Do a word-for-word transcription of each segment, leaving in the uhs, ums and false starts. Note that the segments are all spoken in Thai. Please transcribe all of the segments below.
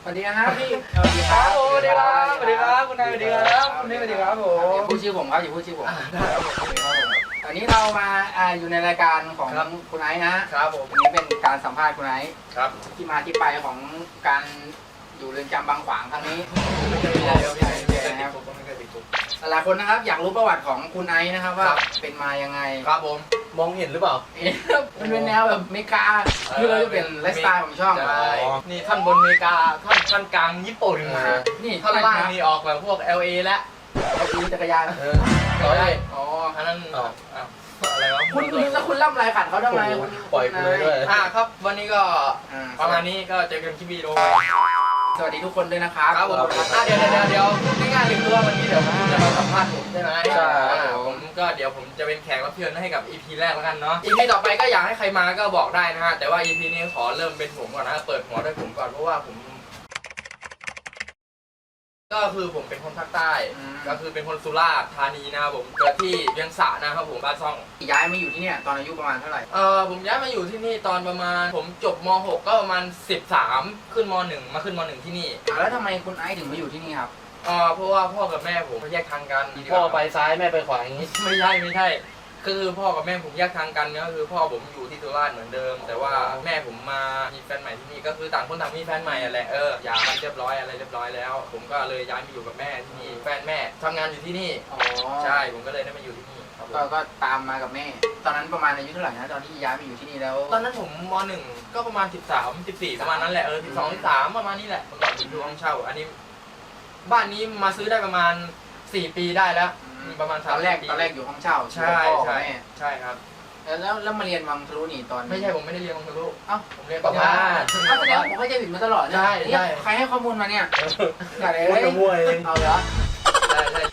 วัสดีครับพี่สวัสดีครับสวัสดีครับสวัสดีครับคุณนายสวัสดีครับคุณนี่สวัสดีครับผมพูดชื่อผมครับอย่าพูดชื่อผมอันนี้เรามาอยู่ในรายการของคุณไอซ์นะครับผมวันนี้เป็นการสัมภาษณ์คุณไอซ์ครับที่มาที่ไปของการอยู่เรือนจำบางขวางครั้งนี้หลายคนนะครับอยากรู้ประวัติของคุณไอซ์นะครับว่าเป็นมายังไงครับผมมองเห็นหรือเปล่ามันเป็นแนวแบบอเมริกาคือเราจะเป็นไลฟ์สไตล์ของช่องนี่ท่านบนอเมริกาท่านท่านกลางญี่ปุ่นนี่ท่านล่างนี่ออกแบบพวก แอล เอ และขี่จักรยานต่อได้อ๋ออันนั้นอะไรวะคุณแล้วคุณล่ำไรขัดเขาทำไมปล่อยกูเลยด้วยอ่าครับวันนี้ก็ประมาณนี้ก็เจอกันคลิปวีดีโอสวัสดีทุกคนด้วยนะครับครับผมเดี๋ยวเดี๋ยวเดี๋ยวพูดง่ายๆเลยคือว่าวันนี้เดี๋ยวผมจะมาสัมภาษณ์ผมใช่ไหมใช่ผมก็เดี๋ยวผมจะเป็นแขกรับเชิญให้กับ อี พี แรกแล้วกันเนาะ อี พี ต่อไปก็อยากให้ใครมาก็บอกได้นะฮะแต่ว่า อี พี นี้ขอเริ่มเป็นผมก่อนนะเปิดหัวด้วยผมก่อนเพราะว่าผมก็คือผมเป็นคนภาคใต้ก็คือเป็นคนสุราษฎร์ธานีนะครับผมเกิดที่เวียงสะนะครับผมบ้านซ่องย้ายมาอยู่ที่นี่ตอนอายุประมาณเท่าไหร่เออผมย้ายมาอยู่ที่นี่ตอนประมาณผมจบม หก ก็ประมาณสิบสามขึ้นม หนึ่งมาขึ้นม หนึ่งที่นี่แล้วทำไมคุณไอซ์ถึงมาอยู่ที่นี่ครับเออเพราะว่าพ่อกับแม่ผมเขาแยกทางกันพ่อไปซ้ายแม่ไปขวาอย่างนี้ไม่ใช่ไม่ใช่คือพ่อกับแม่ผมแยกทางกันก็คือพ่อผมอยู่ที่สุราษฎร์เหมือนเดิมแต่ว่าแม่ผมมามีแฟนใหม่ที่นี่ก็คือต่างคนต่างมีแฟนใหม่แหละเออหย่ากันเรียบร้อยอะไรเรียบร้อยแล้วผมก็เลยย้ายมาอยู่กับแม่ที่นี่แฟนแม่ทำงานอยู่ที่นี่อ๋อใช่ผมก็เลยได้มาอยู่ที่นี่ก็ก็ตามมากับแม่ตอนนั้นประมาณอายุเท่าไหร่นะตอนที่ย้ายมาอยู่ที่นี่แล้วตอนนั้นผมม หนึ่งก็ประมาณสิบสาม สิบสี่ประมาณนั้นแหละเออสิบสอง สิบสามประมาณนี้แหละเมื่อก่อนผมอยู่ห้องเช่าอันนี้บ้านนี้มาซื้อได้ประมาณสี่ปีได้แล้วประมาณตอนแรกตอนแรกอยู่ห้องเช่าใช่ใช่ใช่ครับแล้วแล้วมาเรียนวังทะลุนี่ตอนไม่ใช่ผมไม่ได้เรียนวังทะลุเอ้าผมเรียนประมาณเอ้าแสดงผมเข้าใจผิดมาตลอดใช่ใช่ใครให้ข้อมูลมาเนี่ยอะไรเอ้ยเอาเหรอใช่ใช่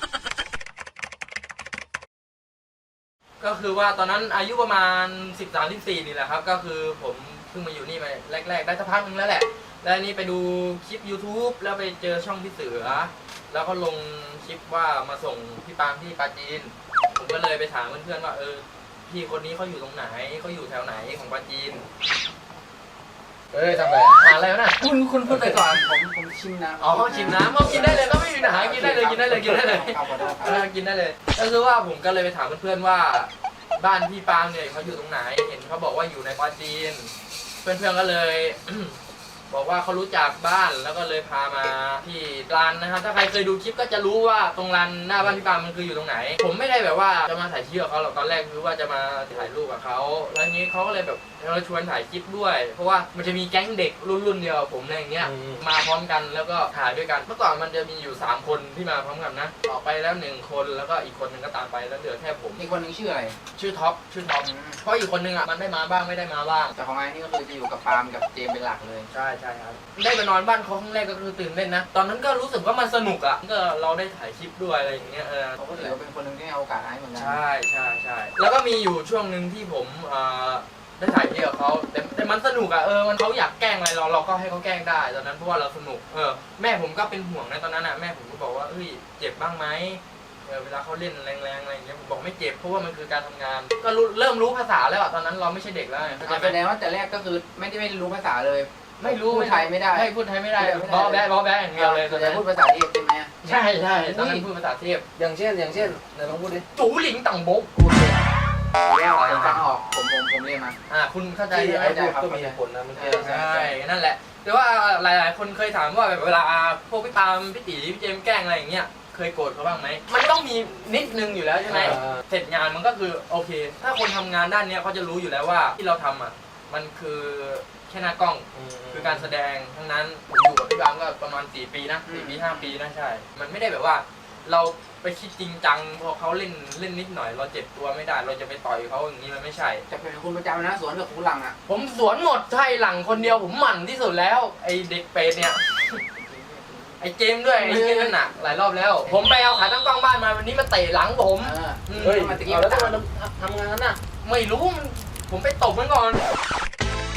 ก็คือว่าตอนนั้นอายุประมาณสิบสาม สิบสี่นี่แหละครับก็คือผมเพิ่งมาอยู่นี่มาแรกๆได้สักพักนึงแล้วแหละแล้วนี่ไปดูคลิป ยูทูบ แล้วไปเจอช่องพี่เสือแล้วก็ลงคลิปว่ามาส่งพี่ปามที่ปาจีนผมก็เลยไปถามเพื่อนๆว่าเออพี่คนนี้เขาอยู่ตรงไหนเขาอยู่แถวไหนของปาจีนเอ้ยทำไรหาอะไรวะน่ะคุณคุณพูดไปก่อนผมผมชิมน้ำอ๋อชิมน้ำกินได้เลยก็ไม่มีปัญหากินได้เลยกินได้เลยกินได้เลยกินได้เลยก็คือว่าผมก็เลยไปถามเพื่อนๆว่าบ้านพี่ปามเนี่ยเขาอยู่ตรงไหนเห็นเขาบอกว่าอยู่ในปาจีนเพื่อนๆก็เลยบอกว่าเขารู้จักบ้านแล้วก็เลยพามาที่ร้านนะครับถ้าใครเคยดูคลิปก็จะรู้ว่าตรงร้านหน้าบ้านพี่ปามมันคืออยู่ตรงไหนผมไม่ได้แบบว่าจะมาถ่ายคลิปกับเขาหรอกตอนแรกคือว่าจะมาถ่ายรูปกับเขาแล้วทีนี้เขาก็เลยแบบเราชวนถ่ายคลิปด้วยเพราะว่ามันจะมีแก๊งเด็กรุ่นรุ่นเดียวผมอะไรอย่างเงี้ยมาพร้อมกันแล้วก็ถ่ายด้วยกันเมื่อก่อนมันจะมีอยู่สามคนที่มาพร้อมกันนะออกไปแล้วหนึ่งคนแล้วก็อีกคนหนึ่งก็ตามไปแล้วเหลือแค่ผมอีกคนนึงชื่ออะไรชื่อท็อปชื่อท็อปเพราะอีกคนนึงอ่ะมันได้มาบ้างไม่ได้มาบ้างแต่ของไอ้นี่ก็คือจะอยู่กับปามกับเจมเป็นหลักเลยใช่ใช่ครับได้ไปนอนบ้านเขาครั้งแรกก็คือตื่นเต้นนะตอนนั้นก็รู้สึกว่ามันสนุกอ่ะก็เราได้ถ่ายคลิปด้วยอะไรอย่างเงี้ยเออเขาก็ถือว่าเป็นคนหนึ่งที่เอาโอกาสให้เหมือนกันใช่ใช่ใช่แล้วก็มีอยู่ช่วงหนึ่งที่ผมได้ถ่ายคลิปกับเขาแต่แต่มันสนุกอ่ะเออมันเขาอยากแกล้งอะไรเราเราก็ให้เขาแกล้งได้ตอนนั้นเพราะว่าเราสนุกเออแม่ผมก็เป็นห่วงในตอนนั้นอ่ะแม่ผมก็บอกว่าเฮ้ยเจ็บบ้างไหมเออเวลาเขาเล่นแรงๆอะไรอย่างเงี้ยผมบอกไม่เจ็บเพราะว่ามันคือการทำงานก็เริ่มรู้ภาษาแล้วอ่ะตอนนั้นเราไม่ใช่เด็กแล้วแสดงว่าแต่แรกก็คือไม่ได้ไม่รู้ภาษาเลยไม่รู้พูดไทยไม่ได้ไม่พูดไทยไม่ได้บอแบ๊บอแบ๊อย่างเดียวเลยตอนนั้นพูดภาษาเทพใช่ไหมใช่ใช่ตอนนั้นพูดภาษาเทพอย่างเช่นอย่างเช่นไหนลองพูดดิจูหลิงต่างบกพูดเลยเรียกอะไรฟังออกผมผมผมเรียนมาอ่าคุณเข้าใจไอ้พูดก็มีผลนะมันใช่นั่นแหละแต่ว่าหลายๆคนเคยถามว่าแบบเวลาพวกพี่ปามพี่ตีพี่เจมแกล้งอะไรอย่างเงี้ยเคยโกรธเขาบ้างไหมมันต้องมีนิดนึงอยู่แล้วใช่ไหมเสร็จงานมันก็คือโอเคถ้าคนทำงานด้านนี้เขาจะรู้อยู่แล้วว่าที่เราทำอ่ะมันคือแค่หน้ากล้องคือการแสดงทั้งนั้นผมอยู่กับพี่ปามก็ประมาณสี่ปีนะสี่ปีห้าปีนะใช่มันไม่ได้แบบว่าเราไปคิดจริงจังพอเขาเล่นเล่นนิดหน่อยเราเจ็บตัวไม่ได้เราจะไปต่อยเขาอย่างนี้มันไม่ใช่จะเป็นคุณประจำนะสวนกับคุณหลังอ่ะผมสวนหมดใช่หลังคนเดียวผมหมั่นที่สุดแล้วไอเด็กเป็ดเนี่ยไอเจมด้วยไอเจมนั่นน่ะหลายรอบแล้วผมไปเอาขาตั้งกล้องบ้านมาวันนี้มาเตะหลังผมเฮ้ยแล้วทำไมทำงานนั้นน่ะไม่รู้มันผมไปตบมันก่อน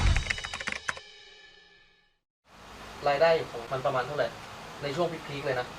รายได้ของมันประมาณเท่าไหร่ในช่วงพีคๆเลยนะ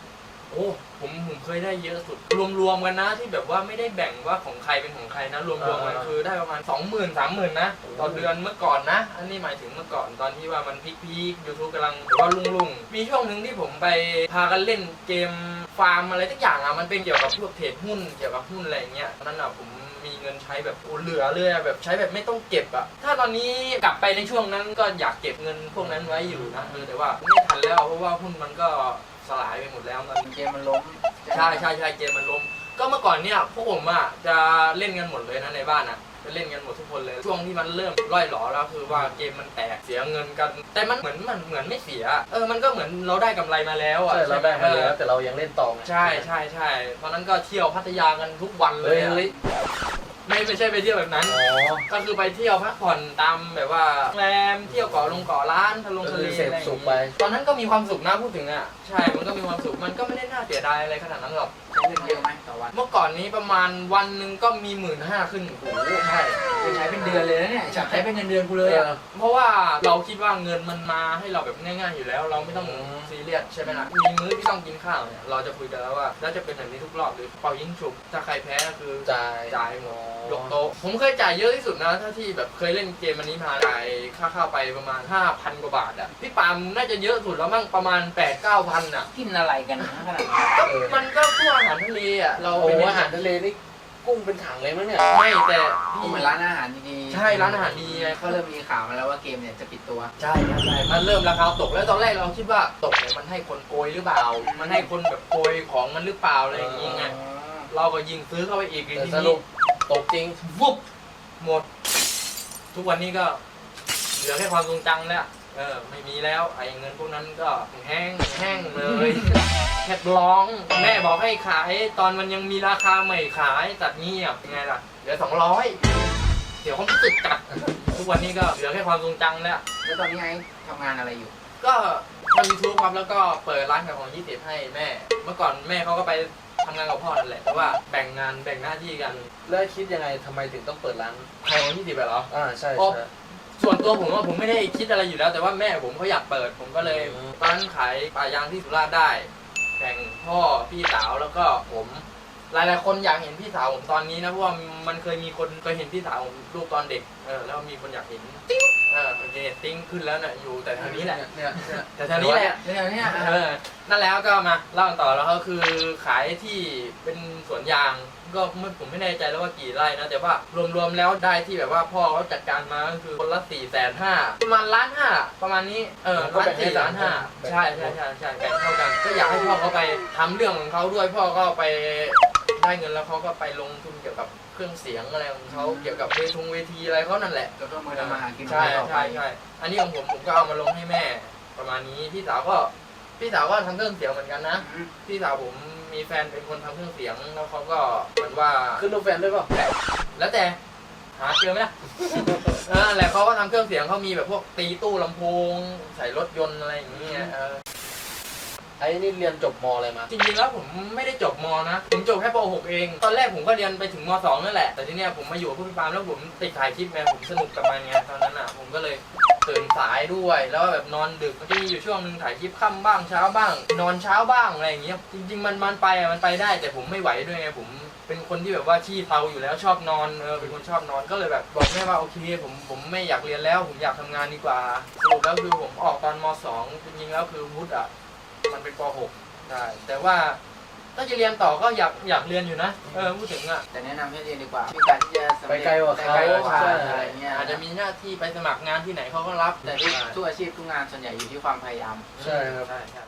โอ้ผมผมเคยได้เยอะสุดรวมๆกันนะที่แบบว่าไม่ได้แบ่งว่าของใครเป็นของใครนะรวมๆกันคือได้ประมาณสองหมื่นสามหมื่นนะต่อเดือนเมื่อก่อนนะอันนี้หมายถึงเมื่อก่อนตอนที่ว่ามันพีคๆ YouTube กำลังแบบว่ารุ่งๆมีช่วงหนึ่งที่ผมไปพากันเล่นเกมฟาร์มอะไรทุกอย่างอ่ะมันเป็นเกี่ยวกับพวกเทรดหุ้นเกี่ยวกับหุ้นอะไรอย่างเงี้ยนั่นอ่ะผมมีเงินใช้แบบโอ้เหลือเลยแบบใช้แบบไม่ต้องเก็บอ่ะถ้าตอนนี้กลับไปในช่วงนั้นก็อยากเก็บเงินพวกนั้นไว้อยู่นะเออแต่ว่าไม่ทันแล้วเพราะว่าหุ้นมันก็สลายไปหมดแล้วตอนนี้เกมมันล้มใช่ใช่ใช่เกมมันล้มก็เมื่อก่อนเนี่ยพวกผมอ่ะจะเล่นกันหมดเลยนะในบ้านอ่ะจะเล่นกันหมดทุกคนเลยช่วงที่มันเริ่มร่อยหลอแล้วคือว่าเกมมันแตกเสียเงินกัน แต่มันเหมือนมันเหมือนไม่เสียเออมันก็เหมือนเราได้กำไรมาแล้วอ่ะใช่เราได้มาแล้วแต่เรายังเล่นต่อไงใช่ใช่ใช่ตอนนั้นก็เที่ยวพัทยากันทุกวันเลเฮ้ยยอะเฮ้ยไม่ไม่ใช่ไปเที่ยวแบบนั้นอ๋อก็คือไปเที่ยวพักผ่อนตามแบบว่าโรงแรมเที่ยวเกาะลงเกาะร้านทะลงทะเลก็คือเสพอะไรอย่างสุงี้ขไปตอนนั้นก็มีความสุขนะพูดถึงอ่ะใช่มันก็มีความสุขมันก็ไม่ได้น่าเสียดายอะไรขนาดนั้นหรอกใช้เงินเยอะไหมต่อวันเมื่อก่อนนี้ประมาณวันหนึ่งก็มีหมื่นห้าขึ้นโอ้โหใช่ใช้เป็นเดือนเลยนะเนี่ยใช้เป็นเงินเดือนกูเลยอ่ะเพราะว่าเราคิดว่าเงินมันมาให้เราแบบง่ายๆอยู่แล้ว เราไม่ต้องอืมซีเรียสใช่ไหมล่ะมีมื้อที่ต้องกินข้าวเนี่ยเราจะคุยกันแล้วว่าแล้วจะเป็นแบบนี้ทุกรอบหรือเป่ายิงฉุบถ้าใครแพ้ก็คือจ่ายจ่ายหมดยกโต๊ะผมเคยจ่ายเยอะที่สุดนะถ้าที่แบบเคยเล่นเกมอันนี้มาจ่ายค่าข้าวไปประมาณ ห้าพัน กว่าบาทอ่ะพี่ปาล์มน่าจะเยอะสุดแล้วมั้งประมาณ แปดเก้าพัน อ่ะกินอะไรกันนะขนาดนั้นก็มันก็พวกอาหารทะเลอ่ะเราโอ้ไปโหเน้นอาหารทะเลนี่กุ้งเป็นถังเลยมั้งเนี่ยไม่แต่กูพี่เหมือนร้านอาหารดีๆใช่ร้านอาหารดีไงก็เริ่มมีข่าวมาแล้วว่าเกมเนี่ยจะปิดตัวใช่ครับใช่มันเริ่มราคาตกแล้วตอนแรกเราคิดว่าตกเนี่ยมันให้คนโกยหรือเปล่า มันให้คนแบบโกยของมันหรือเปล่าอะไรอย่างงี้ไง เราก็ยิงซื้อเข้าไปอีกแต่ทีสนี้รุปตกจริงวุบหมด ทุกวันนี้ก็เหลือแค่ความทรงจำแล้วเออไม่มีแล้วไอ้เงินพวกนั้นก็แห้งแห้งเลย แค่ร้องแม่บอกให้ขายตอนมันยังมีราคาใหม่ขายตัดเงียบยังไงล่ะเหลือสองร้อยเดี๋ยวเขาไม่ติดจัดทุกวันนี้ก็เหลือแค่ความทรงจำแล้วแล้วตอนนี้ไอ้ทำงานอะไรอยู่ก็ทำยูทูบครับแล้วก็เปิดร้านขายของยี่สิบให้แม่ เมื่อก่อนแม่เขาก็ไปทำงานกับพ่อนั่นแหละแต่ว่าแบ่งงานแบ่งหน้าที่กันแล้วคิดยังไงทำไมถึงต้องเปิดร้านขายของยี่สิบเหรออ่าใช่โอ้ใช่ส่วนตัวผมว่าผมไม่ได้คิดอะไรอยู่แล้ว แต่ว่าแม่ผมเขาอยากเปิด ผมก็เลยอืมตอนนั้นขายปลายางที่สุราษฎร์ได้แบ่งพ่อพี่สาวแล้วก็ผม หลายๆคนอยากเห็นพี่สาวผมตอนนี้นะเพราะว่ามันเคยมีคนเคยเห็นพี่สาวผมรูปตอนเด็กเออแล้วมีคนอยากเห็นติ๊งเออโอเคติ๊งขึ้นแล้วน่ะอยู่แต่แถวนี้แหละเนี่ยเนี่ยแต่แถวนี้แหละเนี่ยเนี่ยเออนั่นแล้วก็มาเล่ากันต่อแล้วก็คือขายที่เป็นสวนยางก็ไม่ผมไม่แน่ใจแล้วว่ากี่ไร่นะแต่ว่ารวมๆแล้วได้ที่แบบว่าพ่อเขาจัดการมาก็คือคนละสี่แสนห้าประมาณล้านห้าประมาณนี้เออล้านสี่ล้านห้าใช่ใช่ใช่ใช่แบ่งเท่ากันก็อยากให้พ่อเขาไปทำเรื่องของเขาด้วยพ่อก็ไปได้เงินแล้วเขาก็ไปลงทุนเกี่ยวกับเครื่องเสียงอะไรของเขาเกี่ยวกับเวทงเวทีอะไรเขานั่นแหละก็ต้องมือทำมาหากินใช่ต่อไปใช่ใช่อันนี้ของผมผมก็เอามาลงให้แม่ประมาณนี้พี่สาวก็พี่สาวก็ทำเครื่องเสียงเหมือนกันนะอืมพี่สาวผมมีแฟนเป็นคนทำเครื่องเสียงแล้วเขาก็เหมือนว่าขึ้นรูปแฟนด้วยเปล่าแล้วแต่หาเจอไหมล่ะ เออแหละเขาก็ทำเครื่องเสียงเขามีแบบพวกตีตู้ลำโพงใส่รถยนต์อะไรอย่างเงี้ยเออไอ้นี่เรียนจบมอะไรมาจริงๆแล้วผมไม่ได้จบมนะผมจบแค่ป หก เอง ตอนแรกผมก็เรียนไปถึงม สอง นั่นแหละแต่ทีเนี้ยผมมาอยู่กับพี่ปาล์มแล้วผมติดถ่ายคลิปไงผมสนุกกับมันไงตอนนั้นอ่ะผมก็เลยตื่นสายด้วยแล้วแบบนอนดึกมันจะมีอยู่ช่วงหนึงถ่ายคลิปค่ำบ้างเช้าบ้าง นอนเช้าบ้างอะไรอย่างเงี้ยจริงๆมันมันไปอ่ะมันไปได้แต่ผมไม่ไหวด้วยไงผมเป็นคนที่แบบว่าขี้เทาอยู่แล้วชอบนอนเออเป็นคนชอบนอนก็เลยแบบบอกแม่ว่าโอเคผมผมไม่อยากเรียนแล้วผมอยากทำงานดีกว่าสรุปแล้วคือผมออกตอนม สอง จริงๆแล้วคือวุฒิอ่ะมันเป็นป หก ใช่แต่ว่าถ้าจะเรียนต่อก็อยากอยากเรียนอยู่นะเออพูดถึงอ่ะแต่แนะนำให้เรียนดีกว่ามีการที่จะสำเร็จไปไกลกว่าเขาไปไกลกว่าใช่อะไรเงี้ยอาจจะมีหน้าที่ไปสมัครงานที่ไหนเขาก็รับแต่ทุกทุกอาชีพทุกงานส่วนใหญ่อยู่ที่ความพยายามใช่ครับใช่ใช่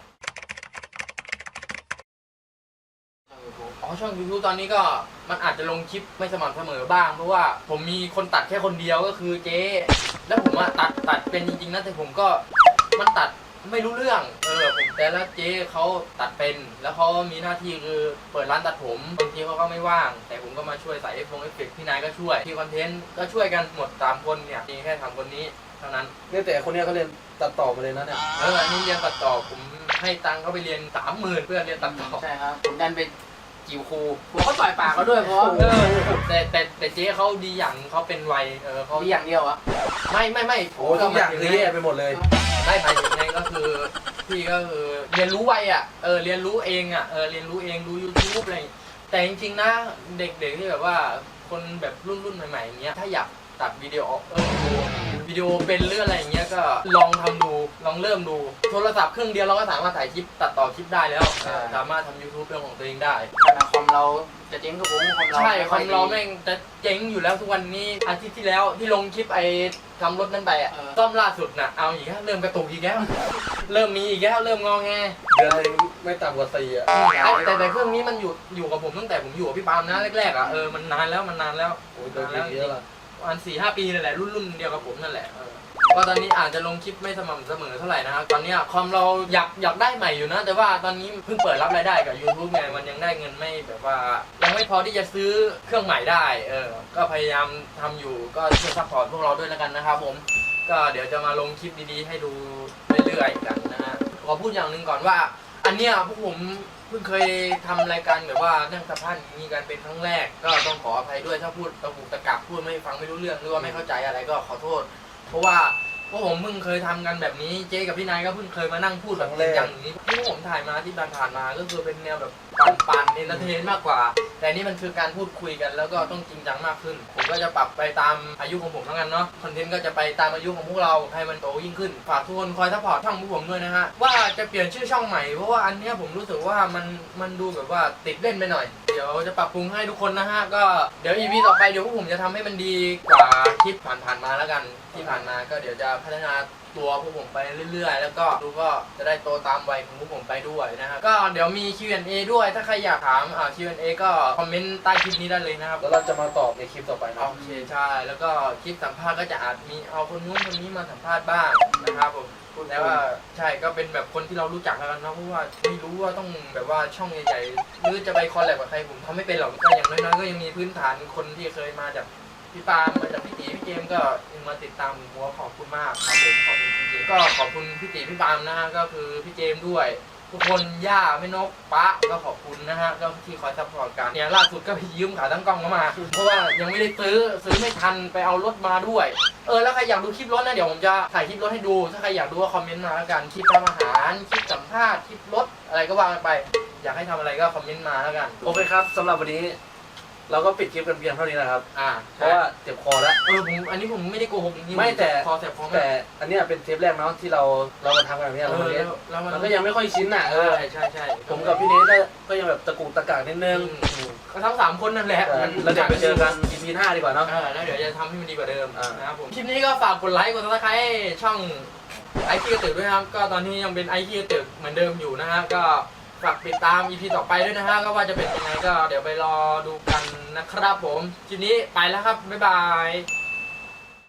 อ๋อช่อง YouTube ตอนนี้ก็มันอาจจะลงคลิปไม่สม่ำเสมอบ้างเพราะว่าผมมีคนตัดแค่คนเดียวก็คือเจ๊แล้วผมอะตัดตัดเป็นจริงๆนะแต่ผมก็มันตัดไม่รู้เรื่องเออผมแต่แล้วเจ๊เขาตัดเป็นแล้วเขามีหน้าที่คือเปิดร้านตัดผมบางทีเขาก็ไม่ว่างแต่ผมก็มาช่วยใส่เอฟเฟกต์พี่นายก็ช่วยที่คอนเทนต์ก็ช่วยกันหมดสามคนเนี่ยมีแค่สามคนนี้เท่านั้นเนี่ยแต่คนเนี้ยเขาเรียนตัดต่อมาเลยนะเนี่ยเอออันนี้เรียนตัดต่อผมให้ตังค์เขาไปเรียนสามหมื่นเพื่อเรียนตัดต่อใช่ครับผมดันไปจิ๋วครูผมก็ต่อยปากเขาด้วยเพราะเออแต่แต่แต่เจ๊เขาดีอย่างเขาเป็นวัยเออเขามีอย่างเดียวอะไม่ไม่ไม่โอ้ทุกอย่างคือแย่ไปหมดเลยเได้หมายถึงไงก็คือพี่ก็คือเรียนรู้ไวอ่ะเออเรียนรู้เองอ่ะเออเรียนรู้เองดู YouTube อะไรแต่จริงๆนะเด็กๆที่แบบว่าคนแบบรุ่นรุ่นใหม่ๆอย่างเงี้ยถ้าอยากตัดวิดีโอเออดูวิดีโอเป็นเรื่องอะไรอย่างเงี้ยก็ลองทำดูลองเริ่มดูโทรศัพท์เครื่องเดียวเราก็สามารถถ่ายคลิปตัดต่อคลิปได้แล้วสามารถทำ YouTube เป็นของตัวเองได้ขนาดคอมเราจะเจ๊งก็คงคอมเราใช่คอมเราแม่งจะเจ๊งอยู่แล้วทุกวันนี้อาทิตย์ที่แล้วที่ลงคลิปไอ้ทำรถนั่นไปอ่ะซ่อมล่าสุดน่ะเอาอีกแล้วเริ่มกระตุกอีกแล้วเริ่มมีอีกแล้วเริ่มงอแงเดือนนึงไม่ต่ำกว่าสี่อ่ะแต่แต่เครื่องนี้มันอยู่อยู่กับผมตั้งแต่ผมอยู่กับพี่ปาล์มนะแรกๆอ่ะเออมันนานแล้วมันนานแล้วโอ้ยโดนเยอะละประมาณสี่ห้าปีนั่นแหละรุ่นรุ่นเดียวกับผมนั่นแหละเออก็ตอนนี้อาจจะลงคลิปไม่สม่ำเสมอเท่าไหร่นะครับตอนนี้คอมเราอยากอยากได้ใหม่อยู่นะแต่ว่าตอนนี้เพิ่งเปิดรับรายได้กับ YouTube ไงมันยังได้เงินไม่แบบว่ายังไม่พอที่จะซื้อเครื่องใหม่ได้เออก็พยายามทำอยู่ก็ช่วยซัพพอร์ตพวกเราด้วยแล้วกันนะครับผมก็เดี๋ยวจะมาลงคลิปดีๆให้ดูเรื่อยๆกันนะฮะขอพูดอย่างหนึ่งก่อนว่าอันเนี้ยพวกผมเพิ่งเคยทำรายการแบบว่านั่งสัมภาษณ์มีการเป็นครั้งแรกก็ต้องขออภัยด้วยถ้าพูดตะกุกตะกักพูดไม่ฟังไม่รู้เรื่องหรือว่าไม่เข้าใจอะไรก็ขอโทษเพราะว่าพวกผมเพิ่งเคยทำกันแบบนี้เจ๊กับพี่นายก็เพิ่งเคยมานั่งพูดแบบจริงจังอย่างนี้ที่พวกผมถ่ายมาที่ผ่านๆมาก็คือเป็นแนวแบบปั่นๆเอนเตอร์เทนมากกว่าแต่นี่มันคือการพูดคุยกันแล้วก็ต้องจริงจังมากขึ้นผมก็จะปรับไปตามอายุของผมแล้วกันเนาะคอนเทนต์ก็จะไปตามอายุของพวกเราให้มันโตยิ่งขึ้นฝากทุกคนคอยซัพพอร์ตช่องพวกผมด้วยนะฮะว่าจะเปลี่ยนชื่อช่องใหม่เพราะว่าอันเนี้ยผมรู้สึกว่ามันมันดูแบบว่าติดเล่นไปหน่อยเดี๋ยวจะปรับปรุงให้ทุกคนนะฮะก็เดี๋ยว อี พี ต่อไปเดี๋ยวพวกผมจะทำให้มันดีกว่าคลิปผ่านๆมาแล้วกันที่ผ่านมาก็เดี๋ยวจะพัฒนาตัวพวกผมไปเรื่อยๆแล้วก็ดูก็จะได้โตตามวัยของพวกผมไปด้วยนะฮะก็เดี๋ยวมี คิว แอนด์ เอ ด้วยถ้าใครอยากถามอ่า คิว แอนด์ เอ ก็คอมเมนต์ใต้คลิปนี้ได้เลยนะครับแล้วเราจะมาตอบในคลิปต่อไปนะโอเคใช่แล้วก็คลิปสัมภาษณ์ก็จะอาจมีเอาคนนู้นคนนี้มาสัมภาษณ์บ้างนะครับผมแต่ว่าใช่ก็เป็นแบบคนที่เรารู้จักแล้วกันเนาะเพราะว่าไม่รู้ว่าต้องแบบว่าช่องใหญ่ๆหรือจะไปคอลแลบกับใครผมทำไม่เป็นหรอกก็อย่างน้อยๆก็ยังมีพื้นฐานคนที่เคยมาจากพี่ปาล์มมาจากพี่ตีพี่เจมก็ยังมาติดตามหัวขอบคุณมากครับผมขอบคุณพี่เจมก็ขอบคุณพี่ตีพี่ปาล์มนะฮะก็คือพี่เจมด้วยทุกคนย่าแม่นกป๊าก็ขอบคุณนะฮะก็ที่คอยซัพพอร์ตกันเนี่ยล่าสุดก็ไปยืมขาตั้งกล้องเข้ามาเพราะว่ายังไม่ได้ซื้อซื้อไม่ทันไปเอารถมาด้วยเออแล้วใครอยากดูคลิปรถนะเดี๋ยวผมจะถ่ายคลิปรถให้ดูถ้าใครอยากดูก็คอมเมนต์มาแล้วกันคลิปทำอาหารคลิปสัมภาษณ์คลิปรถอะไรก็ว่ากันไปอยากให้ทำอะไรก็คอมเมนต์มาแล้วกันโอเคครับสำหรับวันนี้เราก็ปิดคลิปกันเพียงเท่านี้นะครับอ่าเพราะว่าเจ็บคอแล้วเออผมอันนี้ผมไม่ได้โกหกจริงๆไม่แต่คอแสบคอแต่อันเนี้ยเป็นเทปแรกเนาะที่เราเรามาทำกันแบบเนี้ยเอเราอเล่นแล้วมันมันก็ยังไม่ค่อยชินอ่ะเอใช่อใช่ใช่ผมกับพี่เนทก็ก็ยังแบบตะกุกตะกักนิดนึงก็ทั้งสามคนนั่นแหละเราจะไปเจอกัน อี พี ห้าดีกว่าเนาะเออแล้วเดี๋ยวจะทำให้มันดีกว่าเดิมอ่านนะครับผมคลิปนี้ก็ฝากกดไลค์กดซับสไครต์ช่องไอคีกระตึกด้วยนะครับก็ตอนนี้ยังเป็นไอคีกระตึกเหมือนเดิมอยู่นะฮะก็ฝากติดตาม อี พี ต่อไปด้วยนะฮะก็ว่าจะเป็นยังไงก็เดี๋ยวไปรอดูกันนะครับผมคลิปนี้ไปแล้วครับบ๊ายบาย